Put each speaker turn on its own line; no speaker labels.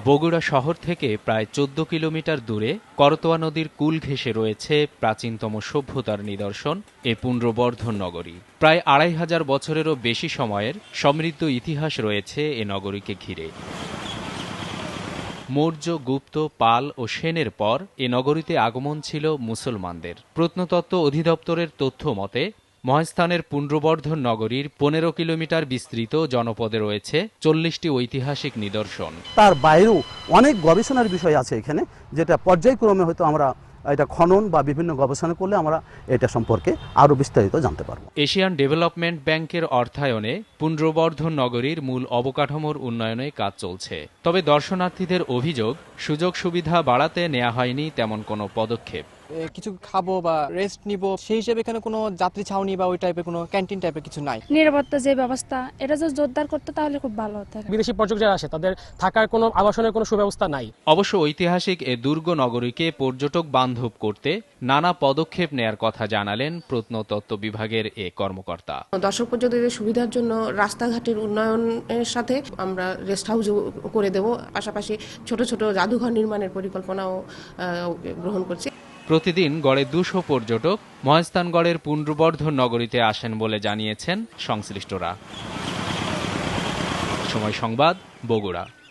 বগুড়া শহর থেকে প্রায় ১৪ কিলোমিটার দূরে করতোয়া নদীর কূল ঘেঁষে রয়েছে প্রাচীনতম সভ্যতার নিদর্শন এ পুন্ড্রবর্ধন নগরী। প্রায় ২৫০০ বছরেরও বেশি সময়ের সমৃদ্ধ ইতিহাস রয়েছে এ নগরীকে ঘিরে। মৌর্য, গুপ্ত, পাল ও সেনের পর এ নগরীতে আগমন ছিল মুসলমানদের। প্রত্নতত্ত্ব অধিদপ্তরের তথ্য মতে মহাস্থানের পুন্ড্রবর্ধন নগরীর ১৫ কিলোমিটার বিস্তৃত জনপদে রয়েছে ৪০টি ঐতিহাসিক নিদর্শন।
তার বাইরেও অনেক গবেষণার বিষয় আছে এখানে, যেটা পর্যায়ক্রমে হয়তো আমরা এটা খনন বা বিভিন্ন গবেষণা করলে আমরা এটা সম্পর্কে আরো বিস্তারিত জানতে পারবো।
এশিয়ান ডেভেলপমেন্ট ব্যাংকের অর্থায়নে পুন্ড্রবর্ধন নগরীর মূল অবকাঠামোর উন্নয়নে কাজ চলছে। তবে দর্শনার্থীদের অভিযোগ, সুযোগ সুবিধা বাড়াতে নেওয়া হয়নি তেমন কোনো পদক্ষেপ।
কিছু খাবো বা রেস্ট নিব, সেই হিসেবে এখানে কোনো যাত্রী ছাউনি বা ওই টাইপের কোনো ক্যান্টিন টাইপের কিছু নাই।
নিরাপত্তা যে ব্যবস্থা, এটা যদি জোরদার করতে তাহলে খুব ভালো হতো।
বিদেশি পর্যটক যারা আসে তাদের থাকার কোনো আবাসনের কোনো সুব্যবস্থা নাই।
অবশ্য ঐতিহাসিক এ দুর্গ নগরীকে পর্যটক বান্ধব করতে নানা পদক্ষেপ নেয়ার কথা জানালেন প্রত্নতত্ত্ব বিভাগের এ কর্মকর্তা।
দর্শক পর্যটকদের সুবিধার জন্য রাস্তাঘাটের উন্নয়নের সাথে আমরা রেস্ট হাউস করে দেব, পাশাপাশি ছোট ছোট জাদুঘর নির্মাণের পরিকল্পনাও গ্রহণ করছি।
প্রতিদিন গড়ে ২০০ পর্যটক মহাস্থানগড়ের পুন্ড্রবর্ধন নগরীতে আসেন বলে জানিয়েছেন সংশ্লিষ্টরা। সময় সংবাদ, বগুড়া।